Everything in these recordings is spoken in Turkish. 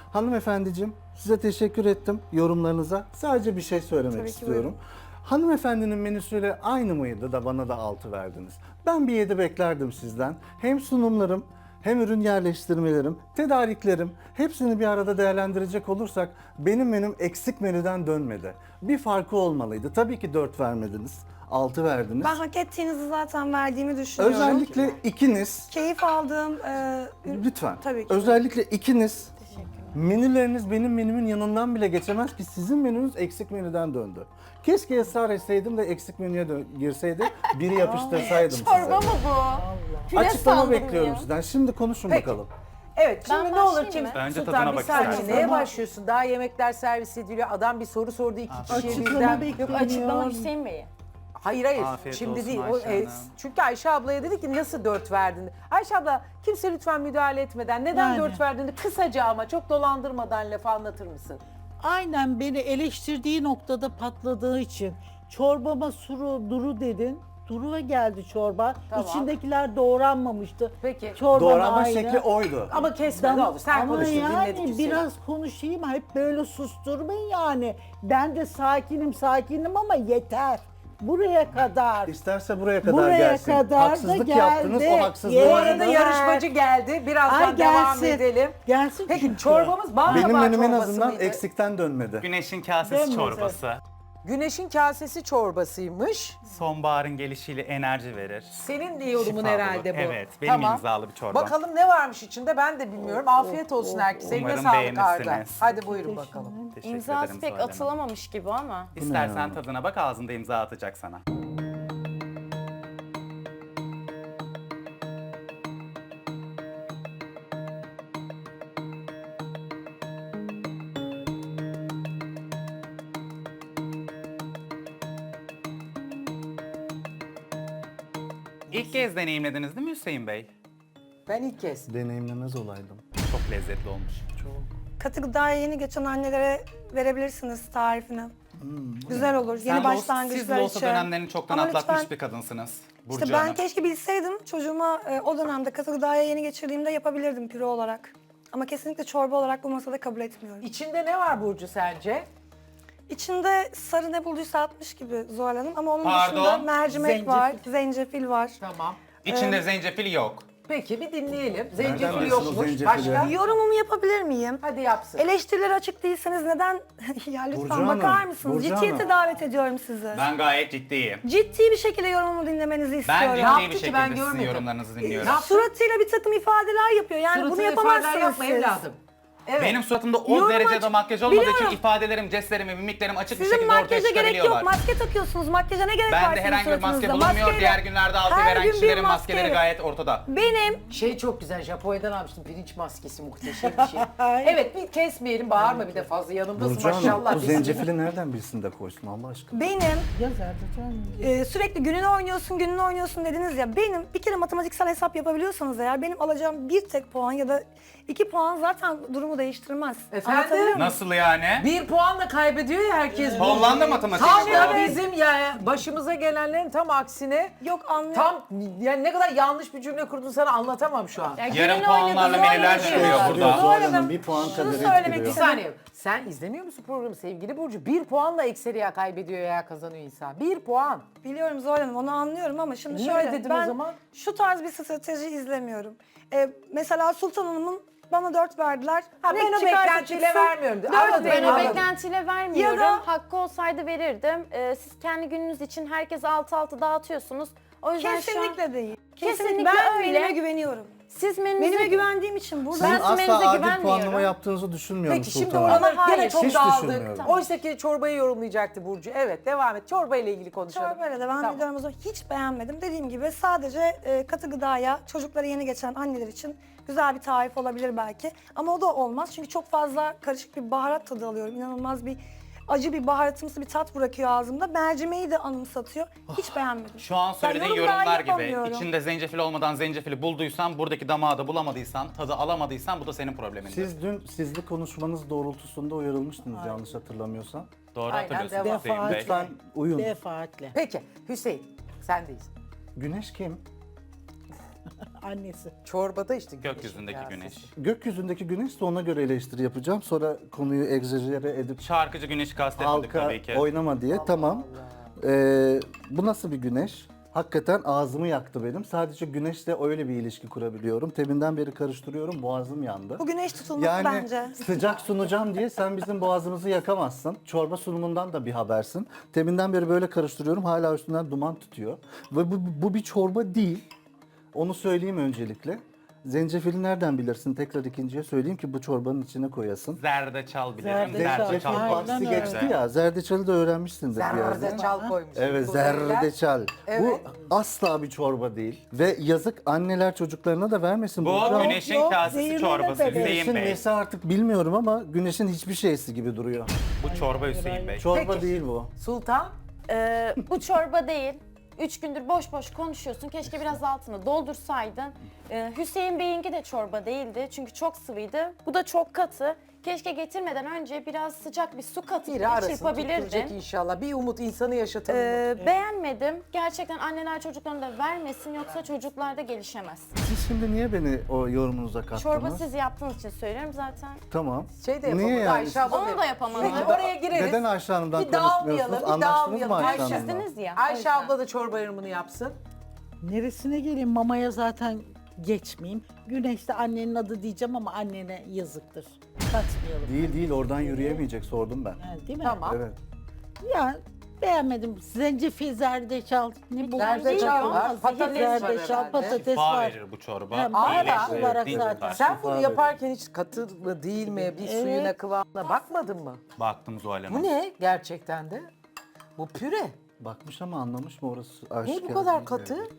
Hanımefendiciğim, size teşekkür ettim yorumlarınıza. Sadece bir şey söylemek Tabii ki, istiyorum. Hanımefendinin menüsüyle aynı mıydı da bana da 6 verdiniz? Ben bir 7 beklerdim sizden. Hem sunumlarım, hem ürün yerleştirmelerim, tedariklerim hepsini bir arada değerlendirecek olursak benim menüm eksik menüden dönmedi. Bir farkı olmalıydı. Tabii ki 4 vermediniz, 6 verdiniz. Ben hak ettiğinizi zaten verdiğimi düşünüyorum. Özellikle ikiniz, Keyif aldığım... lütfen, Tabii ki. özellikle ikiniz menüleriniz benim menümün yanından bile geçemez ki sizin menünüz eksik menüden döndü. Keşke ısrar etseydim de eksik menüye girseydi, biri yapıştırsaydım size. Çorba mı bu? Püre Açıklama sandım bekliyorum ya. sizden. Şimdi konuşun Peki. bakalım. Evet, şimdi Ben ne olur başlayayım kim? mı? Bence Sultan tadına bir bak saniye. istersen. Neye başlıyorsun? Daha yemekler servis ediliyor. Adam bir soru sordu, iki kişiye Açıklama birden. Yok açıklama Hüseyin Bey'e. Hayır hayır. Afiyet Şimdi olsun değil. Ayşe Hanım. Çünkü Ayşe ablaya dedi ki nasıl 4 verdin? Ayşe abla kimse lütfen müdahale etmeden neden Yani. 4 verdiğini kısaca ama çok dolandırmadan lafı anlatır mısın? Aynen beni eleştirdiği noktada patladığı için çorbama suru duru dedin. Duru'a geldi çorba. Tamam. İçindekiler doğranmamıştı. Peki. Çorba Doğranma aynı. şekli oydu. Ama kesme ne olur. Sen Ama konuştun yani dinledik. biraz konuşayım. Hep böyle susturmayın yani. Ben de sakinim ama yeter. Buraya kadar. İsterse buraya kadar Buraya gelsin. kadar da Haksızlık geldi. yaptınız, o haksızlığı. Bu Yes. arada yarışmacı geldi. Birazdan Ay devam gelsin. edelim. Gelsin Peki çünkü. çorbamız bal Benim kabağı menüm en çorbası azından mıydı? eksikten dönmedi. Güneşin kasesi Dönmez, çorbası. Güneşin kasesi çorbasıymış. Sonbaharın gelişiyle enerji verir. Senin de yorumun Şifa herhalde bulur. bu. Evet, benim imzalı bir çorba. Bakalım ne varmış içinde ben de bilmiyorum. Afiyet olsun herkese. Eline Umarım sağlık Arda. beğenirsiniz. Hadi buyurun bakalım. Teşekkür İmzası ederim pek Zuhal Hanım. atılamamış gibi ama. İstersen tadına bak, ağzında imza atacak sana. İlk kez deneyimlediniz değil mi Hüseyin Bey? Ben ilk kez. Deneyimlemez olaydım. Çok lezzetli olmuş. Katı gıdaya yeni geçen annelere verebilirsiniz tarifini. Güzel olur. Sen Yeni siz başlangıçlar de için. olsa dönemlerini çoktan Ama atlatmış lütfen- bir kadınsınız. Burcu İşte ben Hanım. keşke bilseydim çocuğuma o dönemde katı gıdaya yeni geçirdiğimde yapabilirdim püre olarak. Ama kesinlikle çorba olarak bu masada kabul etmiyorum. İçinde ne var Burcu sence? İçinde sarı ne bulduysa atmış gibi Zuhal Hanım ama onun Pardon? dışında mercimek Zencefil. var, zencefil var. Tamam. İçinde zencefil yok. Peki bir dinleyelim. Nereden Zencefil bilsin o yokmuş. zencefili? Başka? Yorumumu yapabilir miyim? Hadi yapsın. Eleştirilere açık değilseniz neden? Ya lütfen Burcu Hanım, bakar mısınız? Burcu Ciddiyete Hanım. davet ediyorum sizi. Ben gayet ciddiyim. Ciddi bir şekilde yorumumu dinlemenizi Ben istiyorum. ciddi yaptı bir ki şekilde ben sizin görmedim? yorumlarınızı dinliyorum. yaptı? Suratıyla bir takım ifadeler yapıyor. Yani bunu Suratına yapamazsınız ifadeler yapma siz. evladım. Evet. Benim suratımda o Yorum derecede açık- makyaj olmadığı için Biliyorum. ifadelerim, jestlerim ve mimiklerim açık bir Sizin şekilde ortaya makyaja gerek yok. çıkabiliyorlar. Maske takıyorsunuz. Makyaja ne gerek var Ben de sizin herhangi bir maske suratınızda? bulunmuyor. Maskeyle- Diğer günlerde altı Her veren gün bir kişilerin maskeyle- maskeleri gayet ortada. Benim Şey çok güzel, Japonya'dan almıştım. Pirinç maskesi muhteşem bir şey. Evet bir kesmeyelim, bağırma bir de fazla yanımdasın Burcu Hanım, maşallah. bu zencefili nereden bilsin de koysun Allah aşkına? benim Yazardı canım. sürekli gününü oynuyorsun dediniz ya. Benim bir kere matematiksel hesap yapabiliyorsanız eğer benim alacağım bir tek puan ya da 2 puan zaten durumu değiştirmez. Efendim? Anlatabiliyor muyum? Nasıl yani? Bir puanla kaybediyor ya herkes. Hollanda matematiği. Tam da işte. bizim ya başımıza gelenlerin tam aksine. Yok anlıyorum. Tam yani ne kadar yanlış bir cümle kurdun sana anlatamam şu an. Ya Yarım gününü puanlarla oynadı, menüler oynadı. çıkıyor Zuhal burada. Zuhal Hanım, Hanım bir puan şunu kadar söylemek etkiliyor. Bir istedim. saniye. Sen izlemiyor musun programı sevgili Burcu? Bir puanla ekseri ya kaybediyor ya kazanıyor insan. Bir puan. Biliyorum Zuhal Hanım onu anlıyorum ama şimdi Niye şöyle öyle dedin o ben zaman? şu tarz bir strateji izlemiyorum. Mesela Sultan Hanım'ın bana 4 verdiler. Ha, Ne ben o çıkarsa beklentiyle çıksın, vermiyorum. dört Anladım, Ben veriyorum. o anladım. beklentiyle vermiyorum. Ya da- Hakkı olsaydı verirdim. Siz kendi gününüz için herkes altı altı dağıtıyorsunuz. O yüzden şu an Kesinlikle değil. Kesinlikle ben öyle. menüme güveniyorum. siz Menüme menünüze güvendiğim için burada. Sizin Ben menüze asla adil güvenmiyorum. puanlama yaptığınızı düşünmüyorum Peki şimdi Sultan Hanım. oralar Ama gene hayır. çok Hiç dağıldık. düşünmüyorum. Oysa ki çorbayı yorumlayacaktı Burcu. Evet devam et. Çorba ile ilgili konuşalım. Çorbayla devam Tamam. ediyorum o zaman. Hiç beğenmedim. Dediğim gibi sadece katı gıdaya çocuklara yeni geçen anneler için güzel bir tarif olabilir belki. Ama o da olmaz çünkü çok fazla karışık bir baharat tadı alıyorum. İnanılmaz bir acı bir baharatımsı bir tat bırakıyor ağzımda. Mercimeği de anımsatıyor. Hiç beğenmedim. Şu an söylediğin yorum daha yorumlar gibi. yapamıyorum. İçinde zencefil olmadan zencefili bulduysan, buradaki damağı da bulamadıysan, tadı alamadıysan bu da senin problemindir. Siz dün sizli konuşmanız doğrultusunda uyarılmıştınız yanlış hatırlamıyorsam. Doğru Aynen, hatırlıyorsunuz devam. Hüseyin Bey. Lütfen uyun. Defaatle. Peki Hüseyin sendeyiz. Güneş kim? annesi. Çorbada işte Gökyüzündeki kasesi. güneş. Gökyüzündeki güneş de ona göre eleştiri yapacağım. Sonra konuyu egzajere edip Şarkıcı güneşi kastetmedik halka tabii ki. oynama diye. Tamam. Bu nasıl bir güneş? Hakikaten ağzımı yaktı benim. Sadece güneşle öyle bir ilişki kurabiliyorum. Teminden beri karıştırıyorum. Boğazım yandı. Bu güneş tutulması Yani bence. sıcak sunacağım diye sen bizim boğazımızı yakamazsın. Çorba sunumundan da bir habersin. Teminden beri böyle karıştırıyorum. Hala üstünden duman tutuyor. Ve bu bir çorba değil. Onu söyleyeyim öncelikle. Zencefili nereden bilirsin? Tekrar ikinciye söyleyeyim ki bu çorbanın içine koyasın. Zerdeçal bilirim. Zerdeçal. Zerdeçal Aynen bahsi öyle. geçti ya. Zerdeçalı da öğrenmişsindir bir yerden. Zerdeçal koymuş. Evet, Bu beyler. zerdeçal. Evet. Bu asla bir çorba değil. Ve yazık anneler çocuklarına da vermesin. Bu Burcu. güneşin yok, kasesi zehirli çorbası bebek. Hüseyin Güneşin Bey. nesi artık bilmiyorum ama güneşin hiçbir şeysi gibi duruyor. Bu çorba Hüseyin Bey. Çorba Peki. değil bu. Sultan. Bu çorba değil. 3 gündür boş boş konuşuyorsun. Keşke biraz altını doldursaydın. Hüseyin Bey'inki de çorba değildi. Çünkü çok sıvıydı. Bu da çok katı. Keşke getirmeden önce biraz sıcak bir su katıp Biri bir arasını tutturacak çırpabilirdin. inşallah. Bir umut insanı yaşatan umut. Beğenmedim. Gerçekten anneler çocuklarına da vermesin yoksa çocuklar da gelişemez. Siz şimdi niye beni o yorumunuza kattınız? Çorba siz yaptığınız için söylüyorum zaten. Tamam. Şey de Niye yapamadı yani? Ayşe abla. Onu da yapamadı. Peki oraya gireriz. Neden Ayşe Hanım'dan Bir dağılmayalım, konuşmuyorsunuz? bir Anlaştınız mı dağılmayalım. Ayşe Ayşe Hanım'la? Sizdiniz ya. o Ayşe yüzden. abla da çorba yorumunu yapsın. Neresine geleyim? Mamaya zaten geçmeyeyim. Güneşte annenin adı diyeceğim ama annene yazıktır. Katmayalım. Değil oradan yürüyemeyecek sordum ben. Yani, değil mi? Tamam. Evet. Ya beğenmedim. Zencefil, zerdeçal. Ne bu? Zerdeçal var, Ama patates var Zerdeçal, herhalde. patates Şifa var. verir bu çorba. Hem Aa, İyileştirir, olarak dinç zaten. tutar. Sen bunu Şifa yaparken hiç katı mı değil mi? Bir Evet. suyuna kıvamına bakmadın mı? Baktım Zuhal Hanım. Bu ne gerçekten de? Bu püre. Bakmış ama anlamış mı orası? Niye bu aşikar kadar değil katı? yani.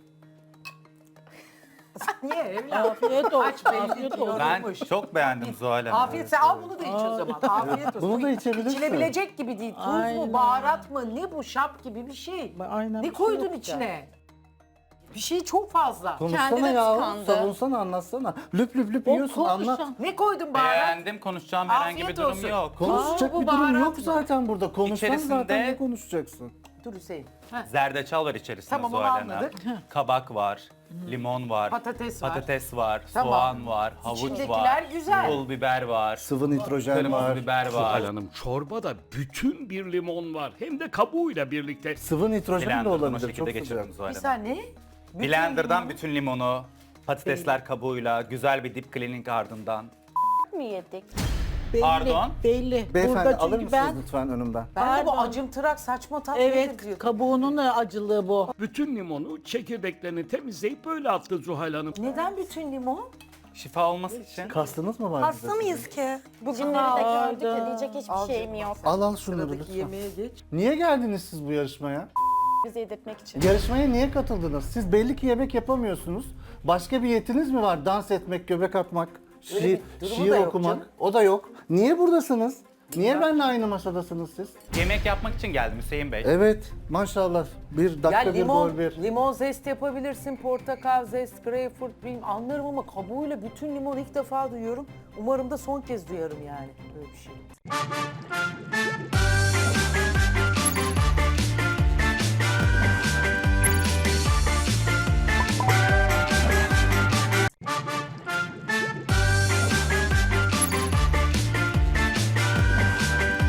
Niye evladım? Afiyet olsun. Aç belli Afiyet diyor. olsun. Ben Olmuş. çok beğendim Zuhal Hanım. Afiyet sen al bunu da iç o zaman. Afiyet olsun. Bunu da içebilirsin. İçilebilecek gibi değil. Tuz mu, Aynen. baharat mı, ne bu şap gibi bir şey. Aynen Ne bir şey koydun yok içine? Bir şey çok fazla. Konuşsana Kendi de ya, tıkandı. savunsana, anlatsana. Lüp lüp lüp O yiyorsun, anlat. konuşan. Ne koydun baharat? Beğendim, konuşacağım herhangi bir Afiyet durum olsun. yok. Konuşacak bu bir durum baharat yok mı? zaten burada. Konuşsan İçerisinde- zaten ne konuşacaksın? Dur Hüseyin. Heh. Zerdeçal var içerisinde Tamam, onu Zuhal Hanım. anladık. Kabak var, limon var, Patates var. patates var, Tamam. soğan var, havuç İçindekiler var, güzel. pul biber var, Sıvı nitrojen kırmızı var. biber var. Zuhal Hanım çorbada bütün bir limon var. Hem de kabuğuyla birlikte. Sıvı nitrojen de Blender'dan o olabilir. Çok şekilde sıcak. geçirdim Zuhal Bir Hanım. saniye. Bütün Blender'dan limonu- bütün limonu, patatesler kabuğuyla, güzel bir dip cleaning ardından. Mi yedik? Belli, Pardon? belli. Beyefendi Burada alır çünkü mısınız ben... lütfen önümden? Ben de bu Pardon. acımtırak saçma tat nedir Evet, diyordum. kabuğunun acılığı bu. Bütün limonu çekirdeklerini temizleyip böyle attı Zuhal Hanım. Neden bütün limon? Şifa olması için. Kastınız mı var? Hasta bize mıyız sizin? ki? Bugünleri de gördük Hayda. ya diyecek hiçbir şeyim yok. Al şunları Sıradaki lütfen. yemeğe geç. Niye geldiniz siz bu yarışmaya? Bizi yedirtmek için. Yarışmaya niye katıldınız? Siz belli ki yemek yapamıyorsunuz. Başka bir yetiniz mi var? Dans etmek, göbek atmak, Öyle bir durumu şiir da yok okumak. canım. O da yok. Niye buradasınız? Niye benimle aynı masadasınız siz? Yemek yapmak için geldim Hüseyin Bey. Evet, maşallah. Bir dakika Ya bir limon, gol bir. limon zest yapabilirsin, portakal zest, greyfurt, bilmem anlarım ama kabuğuyla bütün limon ilk defa duyuyorum. Umarım da son kez duyarım yani böyle bir şey.